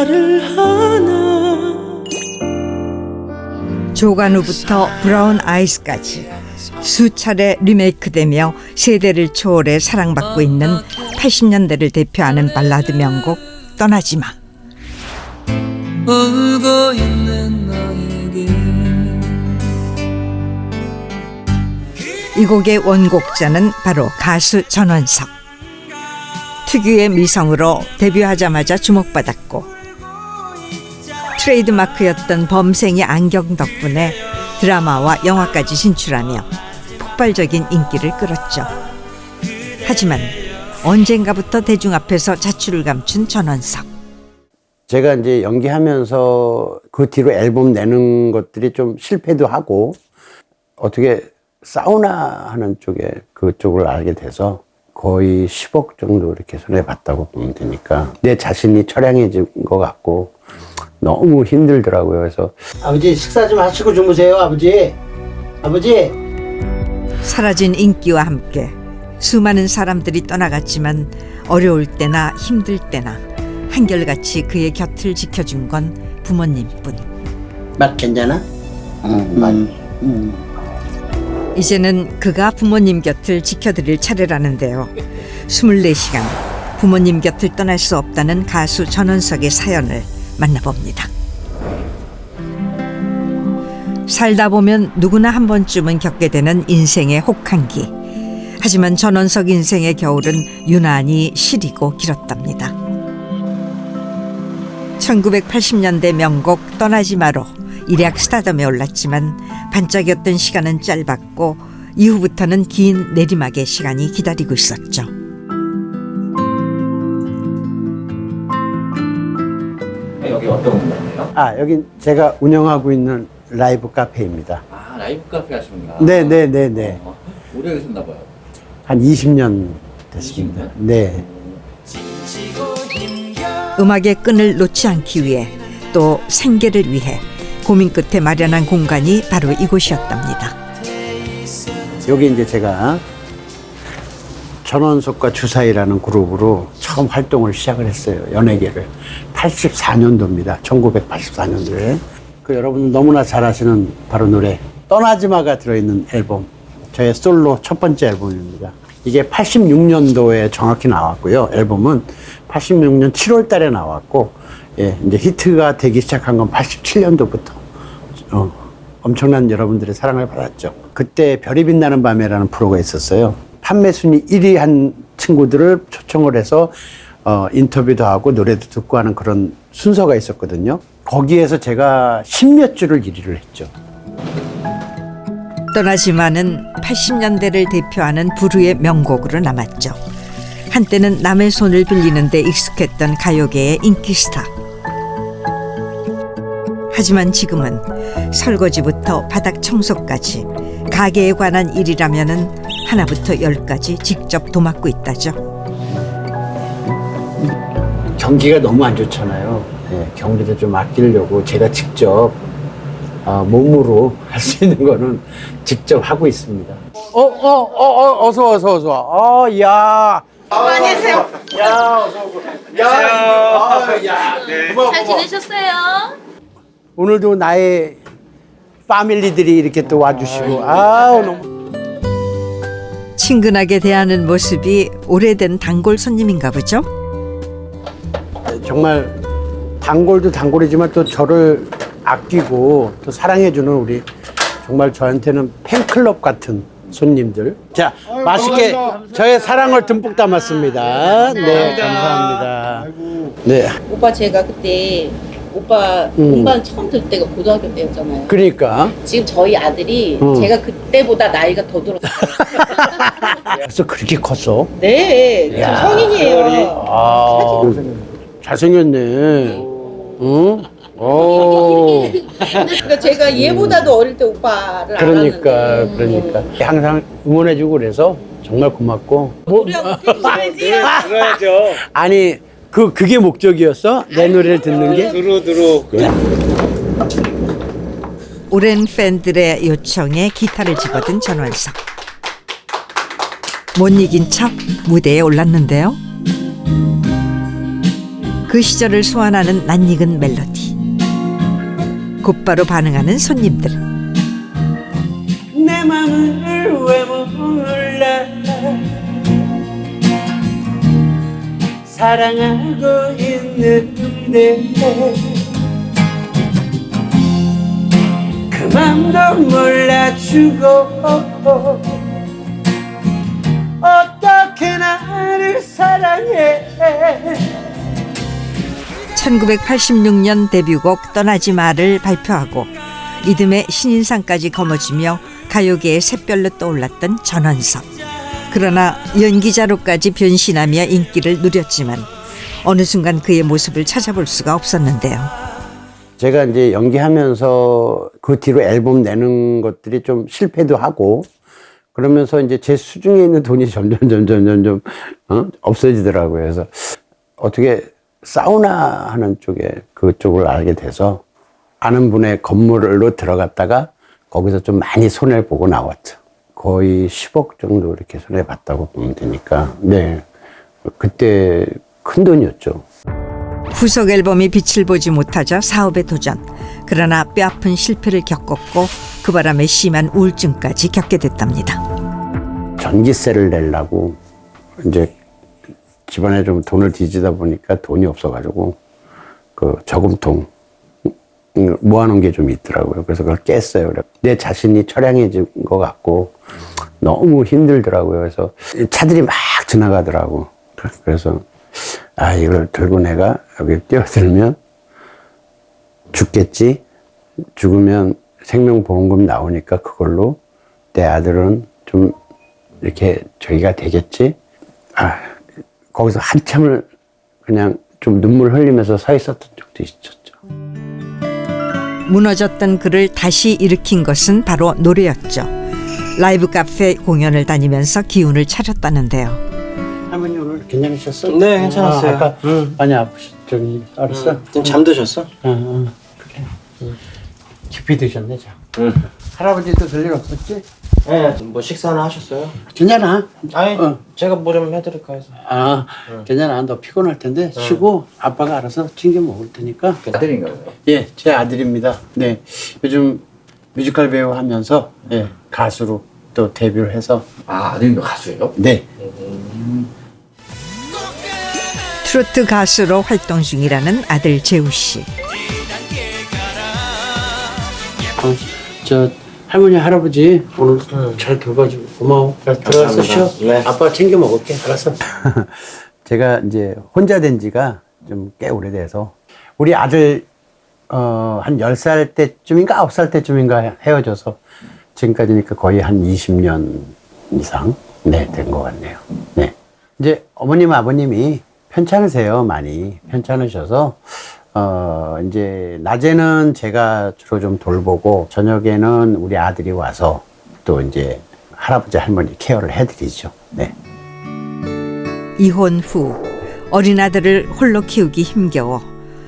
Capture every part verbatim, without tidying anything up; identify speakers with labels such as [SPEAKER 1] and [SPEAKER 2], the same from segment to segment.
[SPEAKER 1] 말을 하나.
[SPEAKER 2] 조간우부터 브라운 아이스까지 수차례 리메이크되며 세대를 초월해 사랑받고 있는 팔십 년대를 대표하는 발라드 명곡 떠나지마.
[SPEAKER 1] 울고 있는 너에게.
[SPEAKER 2] 이 곡의 원곡자는 바로 가수 전원석. 특유의 미성으로 데뷔하자마자 주목받았고 트레이드마크였던 범생이 안경 덕분에 드라마와 영화까지 진출하며 폭발적인 인기를 끌었죠. 하지만 언젠가부터 대중 앞에서 자취를 감춘 전원석.
[SPEAKER 3] 제가 이제 연기하면서 그 뒤로 앨범 내는 것들이 좀 실패도 하고 어떻게 사우나 하는 쪽에 그쪽을 알게 돼서 거의 십억 정도 이렇게 손해봤다고 보면 되니까 내 자신이 처량해진 것 같고 너무 힘들더라고요. 그래서
[SPEAKER 4] 아버지 식사 좀 하시고 주무세요. 아버지 아버지
[SPEAKER 2] 사라진 인기와 함께 수많은 사람들이 떠나갔지만 어려울 때나 힘들 때나 한결같이 그의 곁을 지켜준 건 부모님뿐.
[SPEAKER 4] 맛 괜찮아? 응, 맛. 응.
[SPEAKER 2] 이제는 그가 부모님 곁을 지켜드릴 차례라는데요. 스물네 시간 부모님 곁을 떠날 수 없다는 가수 전원석의 사연을 만나봅니다. 살다 보면 누구나 한 번쯤은 겪게 되는 인생의 혹한기. 하지만 전원석 인생의 겨울은 유난히 시리고 길었답니다. 천구백팔십 년대 명곡 떠나지마로 일약 스타덤에 올랐지만 반짝였던 시간은 짧았고 이후부터는 긴 내리막의 시간이 기다리고 있었죠.
[SPEAKER 5] 여기 어떤 공간이에요?
[SPEAKER 3] 아 여긴 제가 운영하고 있는 라이브 카페입니다.
[SPEAKER 5] 아, 라이브 카페 하시는구나.
[SPEAKER 3] 네네네네.
[SPEAKER 5] 어, 오래 계셨나 봐요.
[SPEAKER 3] 한 이십 년 됐습니다. 네.
[SPEAKER 2] 음악의 끈을 놓지 않기 위해 또 생계를 위해 고민 끝에 마련한 공간이 바로 이곳이었답니다.
[SPEAKER 3] 여기 이제 제가 전원석과 주사위라는 그룹으로 처음 활동을 시작을 했어요. 연예계를. 팔십사 년도입니다. 천구백팔십사 년도에. 그 여러분 너무나 잘 아시는 바로 노래 떠나지마가 들어있는 앨범. 저의 솔로 첫 번째 앨범입니다. 이게 팔십육 년도에 정확히 나왔고요. 앨범은 팔십육 년 칠월 달에 나왔고, 예, 이제 히트가 되기 시작한 건 팔십칠 년도부터 어, 엄청난 여러분들의 사랑을 받았죠. 그때 별이 빛나는 밤에라는 프로가 있었어요. 판매 순위 일 위 한 친구들을 초청을 해서 어, 인터뷰도 하고 노래도 듣고 하는 그런 순서가 있었거든요. 거기에서 제가 십몇 주를 일 위를 했죠.
[SPEAKER 2] 떠나지마는 팔십 년대를 대표하는 부르의 명곡으로 남았죠. 한때는 남의 손을 빌리는 데 익숙했던 가요계의 인기 스타. 하지만 지금은 설거지부터 바닥 청소까지 가게에 관한 일이라면은 하나부터 열까지 직접 도맡고 있다죠.
[SPEAKER 3] 경기가 너무 안 좋잖아요. 네, 경기도 좀 아끼려고 제가 직접 어, 몸으로 할 수 있는 거는 직접 하고 있습니다. 어, 어, 어, 어, 어서, 어서, 어서. 어, 야.
[SPEAKER 6] 안녕하세요.
[SPEAKER 3] 야, 어서 오고. 야, 아, 야, 네.
[SPEAKER 6] 잘 지내셨어요?
[SPEAKER 3] 오늘도 나의 패밀리들이 이렇게 또 와주시고, 아, 너무.
[SPEAKER 2] 친근하게 대하는 모습이 오래된 단골 손님인가 보죠?
[SPEAKER 3] 정말 단골도 단골이지만 또 저를 아끼고 또 사랑해주는 우리 정말 저한테는 팬클럽 같은 손님들. 자, 아유, 맛있게 감사합니다. 저의 사랑을 듬뿍 담았습니다. 네, 감사합니다. 네.
[SPEAKER 6] 오빠 제가 그때 오빠
[SPEAKER 3] 음.
[SPEAKER 6] 음반 처음 들 때가 고등학교 때였잖아요.
[SPEAKER 3] 그러니까
[SPEAKER 6] 지금 저희 아들이
[SPEAKER 3] 음.
[SPEAKER 6] 제가 그때보다 나이가 더 들었어요.
[SPEAKER 3] 벌써 그렇게 컸어?
[SPEAKER 6] 네, 지금
[SPEAKER 3] 야,
[SPEAKER 6] 성인이에요.
[SPEAKER 3] 아, 잘생겼네. 응? 오.
[SPEAKER 6] 그러니까 제가 얘보다도 어릴 때 오빠를
[SPEAKER 3] 그러니까,
[SPEAKER 6] 알았는데.
[SPEAKER 3] 그러니까. 항상 응원해주고 그래서 정말 고맙고. 뭐,
[SPEAKER 6] 우리하고 떼줘야지요.
[SPEAKER 5] 들어야죠.
[SPEAKER 3] 아니, 그, 그게 목적이었어? 내 노래를 듣는 게?
[SPEAKER 5] 두루 두루.
[SPEAKER 2] 오랜 팬들의 요청에 기타를 집어든 전원석. 못 이긴 척 무대에 올랐는데요. 그 시절을 소환하는 낯익은 멜로디. 곧바로 반응하는 손님들.
[SPEAKER 1] 내 맘을 왜 몰라 사랑하고 있는데 그 맘도 몰라주고 어떻게 나를 사랑해.
[SPEAKER 2] 천구백팔십육 년 데뷔곡 떠나지 마를 발표하고 이듬해 신인상까지 거머쥐며 가요계의 샛별로 떠올랐던 전원석. 그러나 연기자로까지 변신하며 인기를 누렸지만 어느 순간 그의 모습을 찾아볼 수가 없었는데요.
[SPEAKER 3] 제가 이제 연기하면서 그 뒤로 앨범 내는 것들이 좀 실패도 하고 그러면서 이제 제 수중에 있는 돈이 점점 점점 점점 어? 없어지더라고요. 그래서 어떻게 사우나 하는 쪽에 그쪽을 알게 돼서 아는 분의 건물로 들어갔다가 거기서 좀 많이 손해를 보고 나왔죠. 거의 십억 정도 이렇게 손해 봤다고 보면 되니까 네 그때 큰 돈이었죠.
[SPEAKER 2] 후속 앨범이 빛을 보지 못하자 사업에 도전. 그러나 뼈아픈 실패를 겪었고 그 바람에 심한 우울증까지 겪게 됐답니다.
[SPEAKER 3] 전기세를 내려고 이제 집안에 좀 돈을 뒤지다 보니까 돈이 없어가지고 그 저금통 모아놓은 게 좀 있더라고요. 그래서 그걸 깼어요. 내 자신이 처량해진 것 같고 너무 힘들더라고요. 그래서 차들이 막 지나가더라고. 그래서 아 이걸 들고 내가 여기 뛰어들면 죽겠지. 죽으면 생명보험금 나오니까 그걸로 내 아들은 좀 이렇게 저기가 되겠지. 아 거기서 한참을 그냥 좀 눈물 흘리면서 서 있었던 적도 있었죠.
[SPEAKER 2] 무너졌던 그를 다시 일으킨 것은 바로 노래였죠. 라이브 카페 공연을 다니면서 기운을 차렸다는데요.
[SPEAKER 3] 할머니 오늘 괜찮으셨어?
[SPEAKER 4] 네, 괜찮았어요.
[SPEAKER 3] 아, 아까
[SPEAKER 4] 응.
[SPEAKER 3] 많이 아프셨 저기 알았어?
[SPEAKER 4] 응. 좀 잠드셨어?
[SPEAKER 3] 응, 응. 그래. 응. 깊이 드셨네, 자.
[SPEAKER 4] 응.
[SPEAKER 3] 할아버지도 별일 없었지?
[SPEAKER 4] 네, 뭐 식사는 하셨어요?
[SPEAKER 3] 괜찮아.
[SPEAKER 4] 아니,
[SPEAKER 3] 어.
[SPEAKER 4] 제가 뭐 좀 해드릴까 해서.
[SPEAKER 3] 아, 괜찮아. 너 피곤할 텐데 쉬고 아빠가 알아서 챙겨 먹을 테니까.
[SPEAKER 5] 아들인가요?
[SPEAKER 3] 예, 제 아들입니다. 네, 요즘 뮤지컬 배우 하면서 예, 가수로 또 데뷔를 해서
[SPEAKER 5] 아, 아들도 가수예요?
[SPEAKER 3] 네.
[SPEAKER 2] 트로트 가수로 활동 중이라는 아들 재우 씨.
[SPEAKER 3] 어, 저 할머니 할아버지 오늘 잘 돌봐주고 고마워. 잘 들어가서 쉬어.
[SPEAKER 4] 네.
[SPEAKER 3] 아빠 챙겨 먹을게. 알았어. 제가 이제 혼자 된 지가 좀 꽤 오래돼서 우리 아들 어, 한 열 살 때쯤인가 아홉 살 때쯤인가 헤어져서 지금까지니까 거의 한 이십 년 이상 네, 된 것 같네요. 네. 이제 어머님 아버님이 편찮으세요. 많이 편찮으셔서 어, 이제, 낮에는 제가 주로 좀 돌보고, 저녁에는 우리 아들이 와서 또 이제 할아버지, 할머니 케어를 해드리죠. 네.
[SPEAKER 2] 이혼 후 어린 아들을 홀로 키우기 힘겨워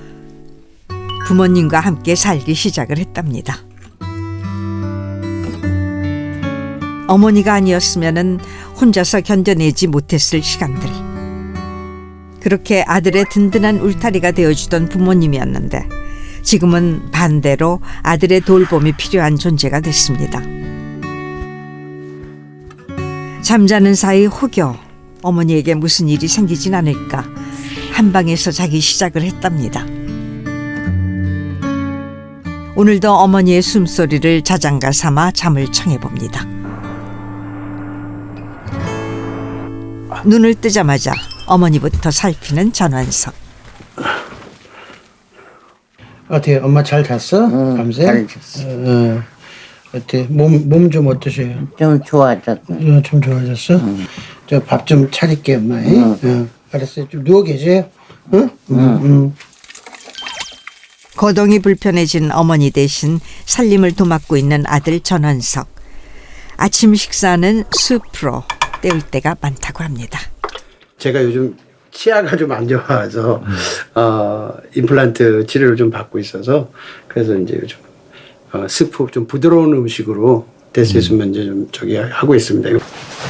[SPEAKER 2] 부모님과 함께 살기 시작을 했답니다. 어머니가 아니었으면은 혼자서 견뎌내지 못했을 시간들. 그렇게 아들의 든든한 울타리가 되어주던 부모님이었는데 지금은 반대로 아들의 돌봄이 필요한 존재가 됐습니다. 잠자는 사이 혹여 어머니에게 무슨 일이 생기진 않을까 한 방에서 자기 시작을 했답니다. 오늘도 어머니의 숨소리를 자장가 삼아 잠을 청해봅니다. 눈을 뜨자마자 어머니부터 살피는 전원석.
[SPEAKER 4] 어떻게 엄마 잘 잤어?
[SPEAKER 7] 응,
[SPEAKER 4] 밤새?
[SPEAKER 7] 잘 잤어.
[SPEAKER 4] 어, 어. 어때? 몸 몸 좀 어떠세요?
[SPEAKER 7] 좀 좋아졌어.
[SPEAKER 4] 어, 좀 좋아졌어? 저 밥 좀 차릴게 엄마. 응. 어, 알았어요. 좀 누워 계세요. 응? 응. 응.
[SPEAKER 2] 거동이 불편해진 어머니 대신 살림을 도맡고 있는 아들 전원석. 아침 식사는 수프로 때울 때가 많다고 합니다.
[SPEAKER 3] 제가 요즘 치아가 좀 안 좋아서, 어, 임플란트 치료를 좀 받고 있어서, 그래서 이제 요즘, 어, 스프 좀 부드러운 음식으로 될 수 있으면 이제 좀 저기 하고 있습니다.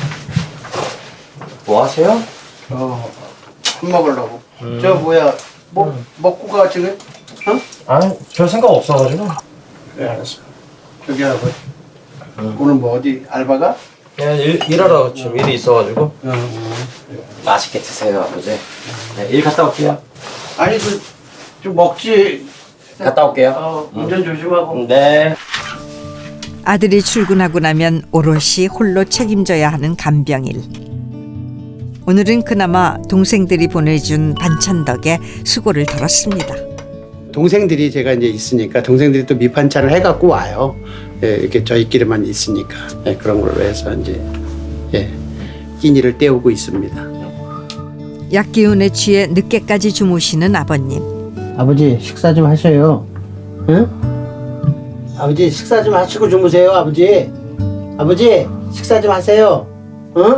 [SPEAKER 4] 뭐 하세요?
[SPEAKER 3] 어, 밥 먹으려고. 저 뭐야,
[SPEAKER 4] 뭐 먹고 가 지금? 어?
[SPEAKER 7] 아니 별 생각 없어가지고
[SPEAKER 4] 그래 알았어. 저기 하고 오늘 뭐 어디 알바가?
[SPEAKER 7] 그냥 일, 일하러 지금 일이 있어가지고.
[SPEAKER 4] 어, 어.
[SPEAKER 7] 맛있게 드세요 아버지. 네, 일 갔다 올게요.
[SPEAKER 4] 아니 그 좀 먹지.
[SPEAKER 7] 갔다 올게요.
[SPEAKER 4] 어, 운전 조심하고.
[SPEAKER 7] 네.
[SPEAKER 2] 아들이 출근하고 나면 오롯이 홀로 책임져야 하는 간병일. 오늘은 그나마 동생들이 보내준 반찬 덕에 수고를 덜었습니다.
[SPEAKER 3] 동생들이 제가 이제 있으니까 동생들이 또 밑반찬을 해갖고 와요. 예, 이렇게 저희끼리만 있으니까 예, 그런 걸로 해서 이제 예, 끼니를 때우고 있습니다.
[SPEAKER 2] 약기운에 취해 늦게까지 주무시는 아버님.
[SPEAKER 4] 아버지 식사 좀 하셔요. 응? 아버지 식사 좀 하시고 주무세요. 아버지. 아버지 식사 좀 하세요. 응?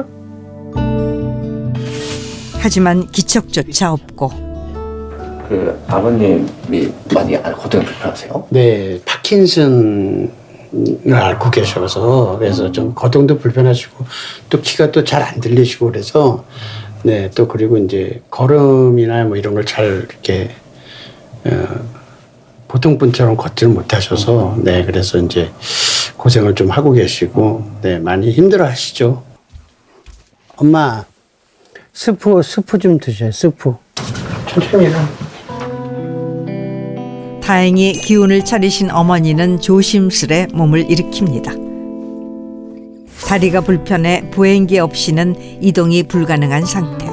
[SPEAKER 2] 하지만 기척조차 없고
[SPEAKER 5] 그 아버님이 많이 고통이 불편하세요?
[SPEAKER 3] 네, 파킨슨을 앓고 계셔서 그래서 좀 거동도 불편하시고 또 귀가 또 잘 안 들리시고 그래서 네, 또 그리고 이제 걸음이나 뭐 이런 걸 잘 이렇게 어, 보통 분처럼 걷지를 못하셔서 네, 그래서 이제 고생을 좀 하고 계시고 네, 많이 힘들어하시죠. 엄마, 스프 스프 좀 드셔요. 스프. 천천히 해라.
[SPEAKER 2] 다행히 기운을 차리신 어머니는 조심스레 몸을 일으킵니다. 다리가 불편해 보행기 없이는 이동이 불가능한 상태.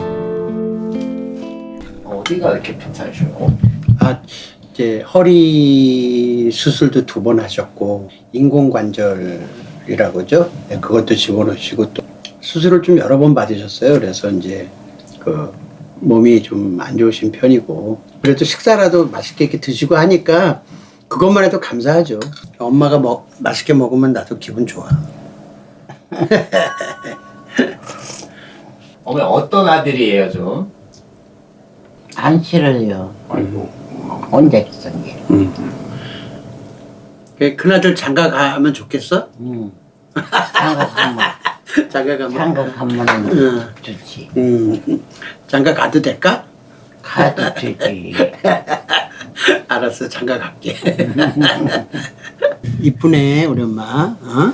[SPEAKER 5] 어디가 이렇게 괜찮으셔요?
[SPEAKER 3] 아, 이제 허리 수술도 두 번 하셨고 인공관절이라고죠. 네, 그것도 집어넣으시고 또 수술을 좀 여러 번 받으셨어요. 그래서 이제 그 몸이 좀 안 좋으신 편이고 그래도 식사라도 맛있게 이렇게 드시고 하니까 그것만 해도 감사하죠. 엄마가 먹 맛있게 먹으면 나도 기분 좋아.
[SPEAKER 5] 어머니 어떤 아들이에요 좀?
[SPEAKER 8] 안 싫어요.
[SPEAKER 5] 아이고.
[SPEAKER 8] 혼자 있은 게.
[SPEAKER 3] 음. 그 큰아들 장가 가면 좋겠어?
[SPEAKER 8] 응. 장가가면,
[SPEAKER 3] 장가 가면.
[SPEAKER 8] 장가가면
[SPEAKER 3] 응.
[SPEAKER 8] 좋지.
[SPEAKER 3] 음. 장가 가도 될까?
[SPEAKER 8] 가도 되지.
[SPEAKER 3] 알았어, 장가 갈게. 이쁘네, 우리 엄마. 어?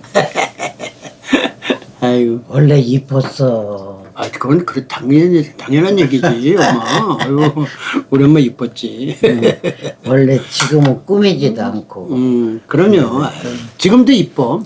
[SPEAKER 3] 아이고.
[SPEAKER 8] 원래 이뻤어.
[SPEAKER 3] 아, 그건 그 당연 당연한 얘기지, 엄마. 아이고, 우리 엄마 이뻤지.
[SPEAKER 8] 원래 지금은 꾸미지도 않고.
[SPEAKER 3] 음, 그럼요. 지금도 이뻐.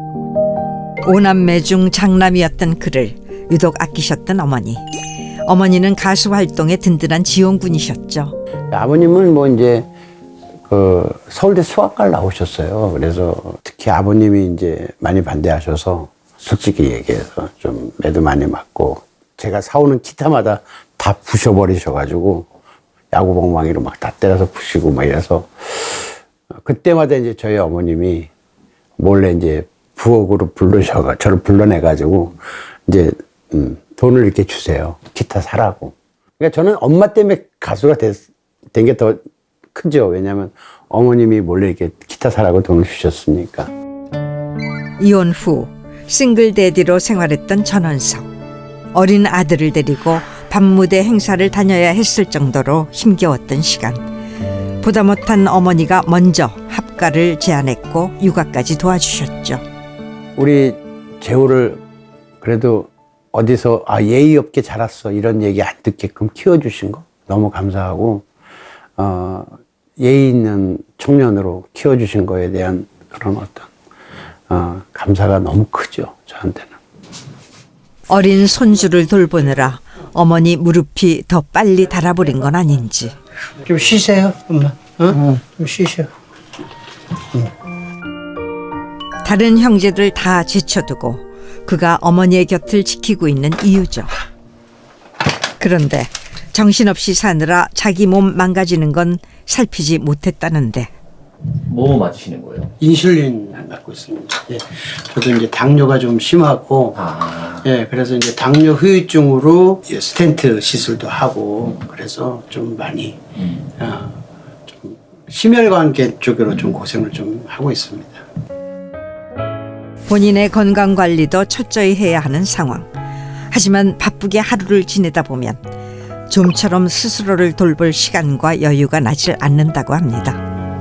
[SPEAKER 2] 오남매 중 장남이었던 그를 유독 아끼셨던 어머니. 어머니는 가수 활동에 든든한 지원군이셨죠.
[SPEAKER 3] 아버님은 뭐 이제 그 서울대 수학과를 나오셨어요. 그래서 특히 아버님이 이제 많이 반대하셔서 솔직히 얘기해서 좀 매도 많이 맞고 제가 사오는 기타마다 다 부셔버리셔가지고 야구방망이로 막 다 때려서 부시고 막 이래서 그때마다 이제 저희 어머님이 몰래 이제 부엌으로 불러셔가 저를 불러내가지고 이제 음, 돈을 이렇게 주세요. 기타 사라고. 그러니까 저는 엄마 때문에 가수가 된 게 더 크죠. 왜냐하면 어머님이 몰래 이렇게 기타 사라고 돈을 주셨으니까.
[SPEAKER 2] 이혼 후 싱글 데디로 생활했던 전원석. 어린 아들을 데리고 밤무대 행사를 다녀야 했을 정도로 힘겨웠던 시간. 보다 못한 어머니가 먼저 합가를 제안했고 육아까지 도와주셨죠.
[SPEAKER 3] 우리 재호를 그래도 어디서 아 예의 없게 자랐어 이런 얘기 안 듣게끔 키워주신 거 너무 감사하고 어, 예의 있는 청년으로 키워주신 거에 대한 그런 어떤 어, 감사가 너무 크죠 저한테는.
[SPEAKER 2] 어린 손주를 돌보느라 어머니 무릎이 더 빨리 닳아버린 건 아닌지.
[SPEAKER 4] 좀 쉬세요, 엄마. 어?
[SPEAKER 8] 응.
[SPEAKER 4] 좀 쉬셔.
[SPEAKER 2] 다른 형제들 다 제쳐두고 그가 어머니의 곁을 지키고 있는 이유죠. 그런데 정신없이 사느라 자기 몸 망가지는 건 살피지 못했다는데.
[SPEAKER 5] 뭐 맞으시는 거예요?
[SPEAKER 3] 인슐린 맞고 있습니다. 예. 저도 이제 당뇨가 좀 심하고,
[SPEAKER 5] 아.
[SPEAKER 3] 예, 그래서 이제 당뇨 후유증으로 스텐트 시술도 하고, 그래서 좀 많이,
[SPEAKER 5] 음.
[SPEAKER 3] 어, 좀 심혈관계 쪽으로 좀 고생을 좀 하고 있습니다.
[SPEAKER 2] 본인의 건강 관리도 철저히 해야 하는 상황. 하지만 바쁘게 하루를 지내다 보면 좀처럼 스스로를 돌볼 시간과 여유가 나질 않는다고 합니다.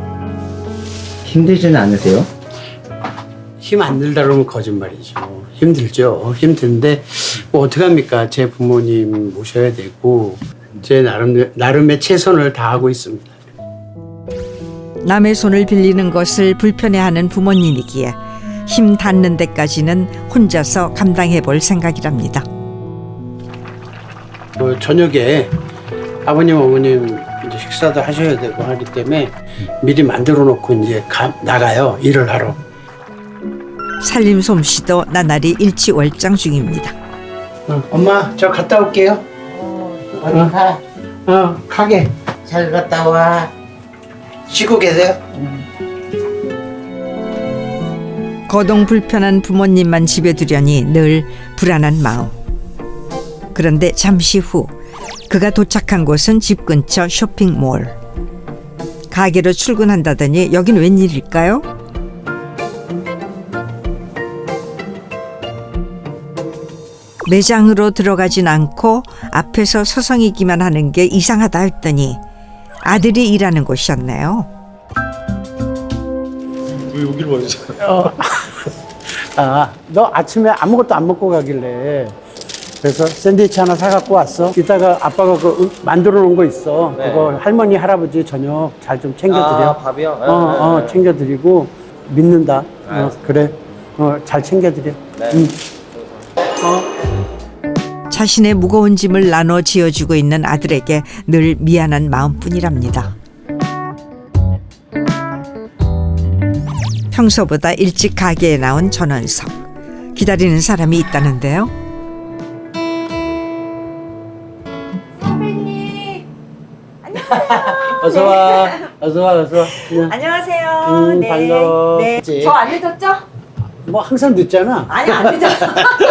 [SPEAKER 7] 힘들지는 않으세요?
[SPEAKER 3] 힘 안 들다 그러면 거짓말이죠. 힘들죠. 힘든데 뭐 어떡합니까? 제 부모님 모셔야 되고 제 나름, 나름의 최선을 다하고 있습니다.
[SPEAKER 2] 남의 손을 빌리는 것을 불편해하는 부모님이기에 힘 닿는 데까지는 혼자서 감당해 볼 생각이랍니다.
[SPEAKER 3] 그 저녁에 아버님 어머님 이제 식사도 하셔야 되고 하기 때문에 미리 만들어 놓고 이제 가, 나가요. 일을 하러.
[SPEAKER 2] 살림 솜씨도 나날이 일치월장 중입니다.
[SPEAKER 3] 어, 엄마 저 갔다 올게요.
[SPEAKER 8] 어디 가?
[SPEAKER 3] 어 가게.
[SPEAKER 8] 잘 갔다 와.
[SPEAKER 3] 쉬고 계세요?
[SPEAKER 2] 거동 불편한 부모님만 집에 두려니 늘 불안한 마음. 그런데 잠시 후 그가 도착한 곳은 집 근처 쇼핑몰. 가게로 출근한다더니 여긴 웬일일까요? 매장으로 들어가진 않고 앞에서 서성이기만 하는 게 이상하다 했더니 아들이 일하는 곳이었네요.
[SPEAKER 3] 왜 여기로 와있어요? 아, 너 아침에 아무것도 안 먹고 가길래 그래서 샌드위치 하나 사갖고 왔어. 이따가 아빠가 그 만들어 놓은 거 있어.
[SPEAKER 7] 네.
[SPEAKER 3] 그거 할머니, 할아버지 저녁 잘 좀 챙겨드려.
[SPEAKER 7] 아, 밥이요? 네,
[SPEAKER 3] 어, 어,
[SPEAKER 7] 네.
[SPEAKER 3] 챙겨드리고 믿는다. 어,
[SPEAKER 7] 알겠습니다.
[SPEAKER 3] 그래. 어, 잘 챙겨드려.
[SPEAKER 7] 네.
[SPEAKER 3] 응. 어.
[SPEAKER 2] 자신의 무거운 짐을 나눠 지어주고 있는 아들에게 늘 미안한 마음뿐이랍니다. 평소보다 일찍 가게에 나온 전원석. 기다리는 사람이 있다는데요.
[SPEAKER 3] 어서 와. 어서 와, 어서 와. 그냥.
[SPEAKER 9] 안녕하세요.
[SPEAKER 3] 음, 반가워.
[SPEAKER 9] 네.
[SPEAKER 3] 그치?
[SPEAKER 9] 저 안 늦었죠?
[SPEAKER 3] 뭐 항상 늦잖아.
[SPEAKER 9] 아니 안 늦었어.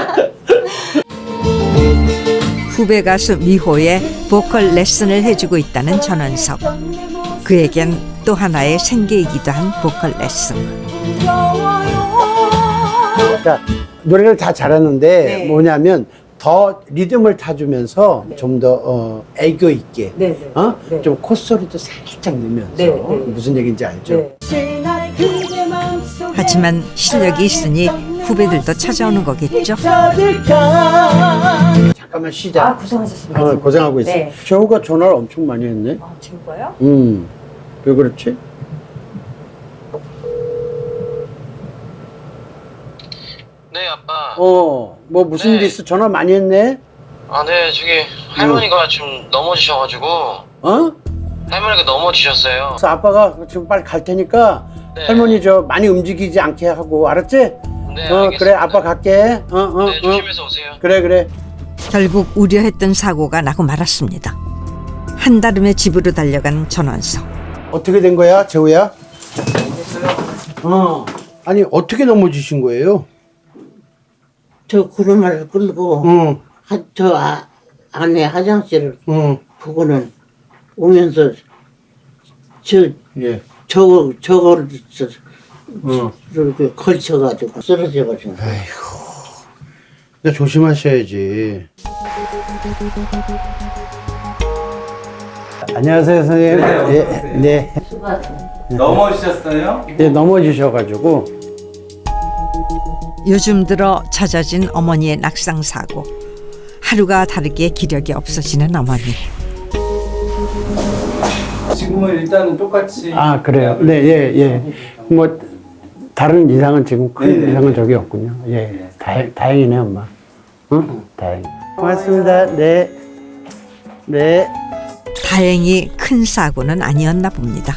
[SPEAKER 2] 후배 가수 미호의 보컬 레슨을 해주고 있다는 전원석. 그에겐 또 하나의 생계이기도 한 보컬 레슨.
[SPEAKER 3] 그러니까 노래를 다 잘하는데
[SPEAKER 9] 네.
[SPEAKER 3] 뭐냐면 더 리듬을 타주면서 좀 더 어, 애교 있게
[SPEAKER 9] 네, 네.
[SPEAKER 3] 어?
[SPEAKER 9] 네.
[SPEAKER 3] 좀 콧소리도 살짝 넣으면서
[SPEAKER 9] 네, 네.
[SPEAKER 3] 무슨 얘기인지 알죠?
[SPEAKER 9] 네.
[SPEAKER 2] 하지만 실력이 있으니 후배들도 찾아오는 거겠죠.
[SPEAKER 3] 잠깐만 쉬자.
[SPEAKER 9] 아 고생하셨습니다.
[SPEAKER 3] 어, 고생하고 있어.
[SPEAKER 9] 네.
[SPEAKER 3] 최호가 전화를 엄청 많이 했네.
[SPEAKER 9] 아 지금 거요?
[SPEAKER 3] 음, 왜 그렇지?
[SPEAKER 10] 네, 아빠.
[SPEAKER 3] 어, 뭐 무슨
[SPEAKER 10] 네.
[SPEAKER 3] 일 있어? 전화 많이 했네.
[SPEAKER 10] 아, 네, 저기 할머니가 좀 넘어지셔가지고
[SPEAKER 3] 어?
[SPEAKER 10] 할머니가 넘어지셨어요.
[SPEAKER 3] 그래서 아빠가 지금 빨리 갈 테니까
[SPEAKER 10] 네.
[SPEAKER 3] 할머니 저 많이 움직이지 않게 하고 알았지?
[SPEAKER 10] 네,
[SPEAKER 3] 어,
[SPEAKER 10] 알겠습니다.
[SPEAKER 3] 그래 아빠 갈게. 어, 어,
[SPEAKER 10] 네,
[SPEAKER 3] 어.
[SPEAKER 10] 조심해서 오세요.
[SPEAKER 3] 그래, 그래.
[SPEAKER 2] 결국 우려했던 사고가 나고 말았습니다. 한달음에 집으로 달려간 전원석.
[SPEAKER 3] 어떻게 된 거야, 재호야? 어. 아니 어떻게 넘어지신 거예요?
[SPEAKER 8] 저 구름을 끌고
[SPEAKER 3] 응,
[SPEAKER 8] 하, 저 아, 안에 화장실을
[SPEAKER 3] 응,
[SPEAKER 8] 보고는 오면서 저
[SPEAKER 3] 예,
[SPEAKER 8] 저거 저거를 저,
[SPEAKER 3] 응.
[SPEAKER 8] 이렇게 걸쳐가지고 쓰러져가지고.
[SPEAKER 3] 근데 조심하셔야지. 안녕하세요, 선생님. 네, 네,
[SPEAKER 1] 넘어지셨어요?
[SPEAKER 3] 네 넘어지셔가지고.
[SPEAKER 2] 요즘 들어 잦아진 어머니의 낙상 사고. 하루가 다르게 기력이 없어지는 어머니.
[SPEAKER 1] 지금은 일단은 똑같이.
[SPEAKER 3] 아 그래요. 네, 예, 예. 뭐 다른 이상은 지금 큰
[SPEAKER 1] 네네.
[SPEAKER 3] 이상은 저기 없군요. 예, 다행, 다행이네 엄마. 응, 다행. 고맙습니다. 네, 네.
[SPEAKER 2] 다행히 큰 사고는 아니었나 봅니다.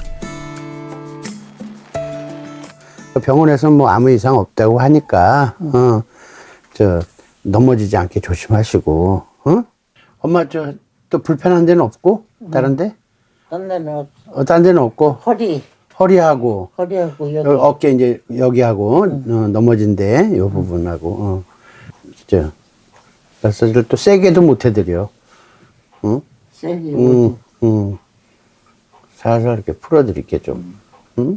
[SPEAKER 3] 병원에서 뭐 아무 이상 없다고 하니까 어, 저 넘어지지 않게 조심하시고. 어? 엄마 저 또 불편한 데는 없고 다른 데?
[SPEAKER 8] 딴 데는 없-
[SPEAKER 3] 어, 딴 데는 없고
[SPEAKER 8] 허리
[SPEAKER 3] 허리하고
[SPEAKER 8] 허리하고 여기
[SPEAKER 3] 여- 어깨 이제 여기하고 어, 넘어진 데 요 부분하고 어. 저 마사지를 또 세게도 못 해드려. 응?
[SPEAKER 8] 세지.
[SPEAKER 3] 응, 응. 살살 이렇게 풀어드릴게 좀. 응?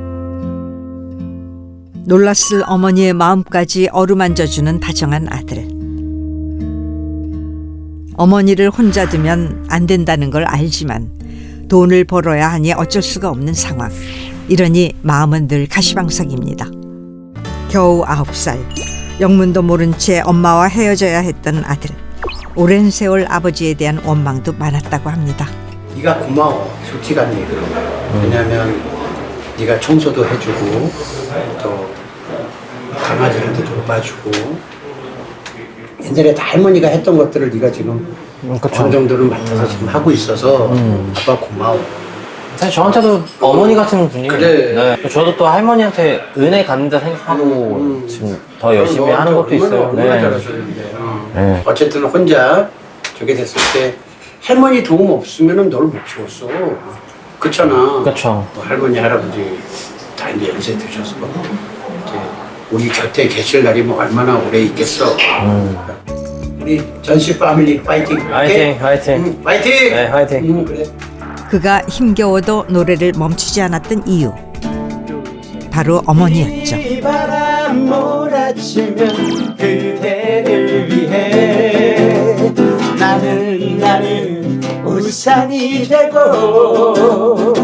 [SPEAKER 2] 놀랐을 어머니의 마음까지 어루만져주는 다정한 아들. 어머니를 혼자 두면 안 된다는 걸 알지만 돈을 벌어야 하니 어쩔 수가 없는 상황. 이러니 마음은 늘 가시방석입니다. 겨우 아홉 살, 영문도 모른 채 엄마와 헤어져야 했던 아들. 오랜 세월 아버지에 대한 원망도 많았다고 합니다.
[SPEAKER 3] 네가 고마워, 솔직한 얘기로. 왜냐면 네가 청소도 해주고 또 강아지들도 돌봐주고 옛날에 다 할머니가 했던 것들을 네가 지금 어느 정도는 맡아서 지금 하고 있어서 아빠 고마워.
[SPEAKER 7] 사실 저한테도 어머니 같은 분이.
[SPEAKER 3] 그래.
[SPEAKER 7] 네. 저도 또 할머니한테 은혜 갚는다 생각하고
[SPEAKER 3] 음.
[SPEAKER 7] 지금 더 열심히 하는 것도 있어요.
[SPEAKER 3] 얼마나
[SPEAKER 7] 네.
[SPEAKER 3] 잘하셨는데. 어.
[SPEAKER 7] 네.
[SPEAKER 3] 어쨌든 혼자 저게 됐을 때 할머니 도움 없으면은 널 못 키웠어. 그렇잖아.
[SPEAKER 7] 그쵸.
[SPEAKER 3] 뭐 할머니 할아버지 다 이제 연세 드셔서 이제 우리 곁에 계실 날이 뭐 얼마나 오래 있겠어.
[SPEAKER 7] 음.
[SPEAKER 3] 우리 전시 패밀리 파이팅.
[SPEAKER 7] 화이팅, 화이팅.
[SPEAKER 3] 응, 파이팅.
[SPEAKER 7] 네, 화이팅.
[SPEAKER 3] 응, 그래.
[SPEAKER 2] 그가 힘겨워도 노래를 멈추지 않았던 이유. 바로 어머니였죠.
[SPEAKER 4] 바람 몰아치면 그대를 위해 나는 나는 우산이 되고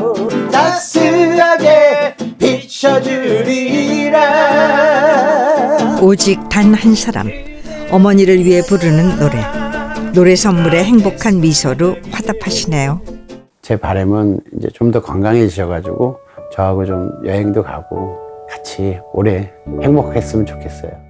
[SPEAKER 4] 따스하게 비춰주리라.
[SPEAKER 2] 오직 단 한 사람, 어머니를 위해 부르는 노래. 노래 선물에 행복한 미소로 화답하시네요.
[SPEAKER 3] 제 바람은 이제 좀 더 건강해지셔가지고 저하고 좀 여행도 가고 같이 오래 행복했으면 좋겠어요.